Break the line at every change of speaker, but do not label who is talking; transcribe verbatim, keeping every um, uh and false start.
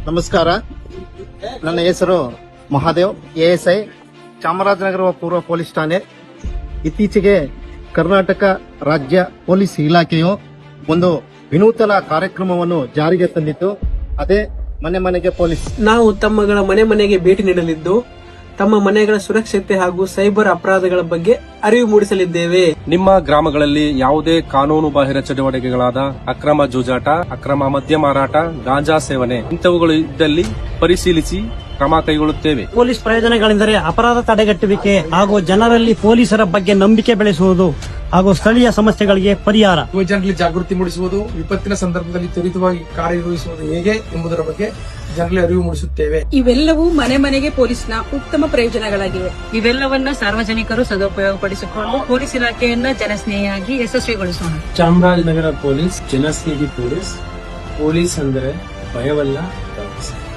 ನಮಸ್ಕಾರ. ನನ್ನ ಹೆಸರು ಮಹಾದೇವ್, ಎಎಸ್ಐ, ಚಾಮರಾಜನಗರ ಪೂರ್ವ ಪೊಲೀಸ್ ಠಾಣೆ. ಇತ್ತೀಚೆಗೆ ಕರ್ನಾಟಕ ರಾಜ್ಯ ಪೊಲೀಸ್ ಇಲಾಖೆಯು ಒಂದು ವಿನೂತನ ಕಾರ್ಯಕ್ರಮವನ್ನು ಜಾರಿಗೆ ತಂದಿತ್ತು. ಅದೇ ಮನೆ ಮನೆಗೆ ಪೊಲೀಸ್.
ನಾವು ತಮ್ಮಗಳ ಮನೆ ಮನೆಗೆ ಭೇಟಿ ನೀಡಲಿದ್ದು ತಮ್ಮ ಮನೆಗಳ ಸುರಕ್ಷತೆ ಹಾಗೂ ಸೈಬರ್ ಅಪರಾಧಗಳ ಬಗ್ಗೆ ಅರಿವು ಮೂಡಿಸಲಿದ್ದೇವೆ.
ನಿಮ್ಮ ಗ್ರಾಮಗಳಲ್ಲಿ ಯಾವುದೇ ಕಾನೂನು ಬಾಹಿರ ಚಟುವಟಿಕೆಗಳಾದ ಅಕ್ರಮ ಜೂಜಾಟ, ಅಕ್ರಮ ಮದ್ಯ ಮಾರಾಟ, ಗಾಂಜಾ ಸೇವನೆ ಇಂಥವುಗಳು ಇದ್ದಲ್ಲಿ ಪರಿಶೀಲಿಸಿ ಕ್ರಮ ಕೈಗೊಳ್ಳುತ್ತೇವೆ.
ಪೊಲೀಸ್ ಪ್ರಯೋಜನಗಳೆಂದರೆ ಅಪರಾಧ ತಡೆಗಟ್ಟುವಿಕೆ ಹಾಗೂ ಜನರಲ್ಲಿ ಪೊಲೀಸರ ಬಗ್ಗೆ ನಂಬಿಕೆ ಬೆಳೆಸುವುದು ಹಾಗೂ ಸ್ಥಳೀಯ ಸಮಸ್ಯೆಗಳಿಗೆ ಪರಿಹಾರ.
ಯುವಜನರಲ್ಲಿ ಜಾಗೃತಿ ಮೂಡಿಸುವುದು, ವಿಪತ್ತಿನ ಸಂದರ್ಭದಲ್ಲಿ ತ್ವರಿತವಾಗಿ ಕಾರ್ಯನಿರ್ವಹಿಸುವುದು ಹೇಗೆ ಎಂಬುದರ ಬಗ್ಗೆ ಜನರಲ್ಲಿ ಅರಿವು ಮೂಡಿಸುತ್ತೇವೆ.
ಇವೆಲ್ಲವೂ ಮನೆ ಮನೆಗೆ ಪೊಲೀಸ್ನ ಉತ್ತಮ ಪ್ರಯೋಜನಗಳಾಗಿವೆ.
ಇವೆಲ್ಲವನ್ನ ಸಾರ್ವಜನಿಕರು ಸದುಪಯೋಗಪಡಿಸಿಕೊಂಡು ಪೊಲೀಸ್ ಇಲಾಖೆಯನ್ನ ಜನಸ್ನೇಹಿಯಾಗಿ ಯಶಸ್ವಿಗೊಳಿಸೋಣ.
ಚಾಮರಾಜನಗರ ಪೊಲೀಸ್ ಜನಸ್ನೇಹಿ ಪೊಲೀಸ್. ಪೊಲೀಸ್ ಅಂದರೆ ಭಯವಲ್ಲ.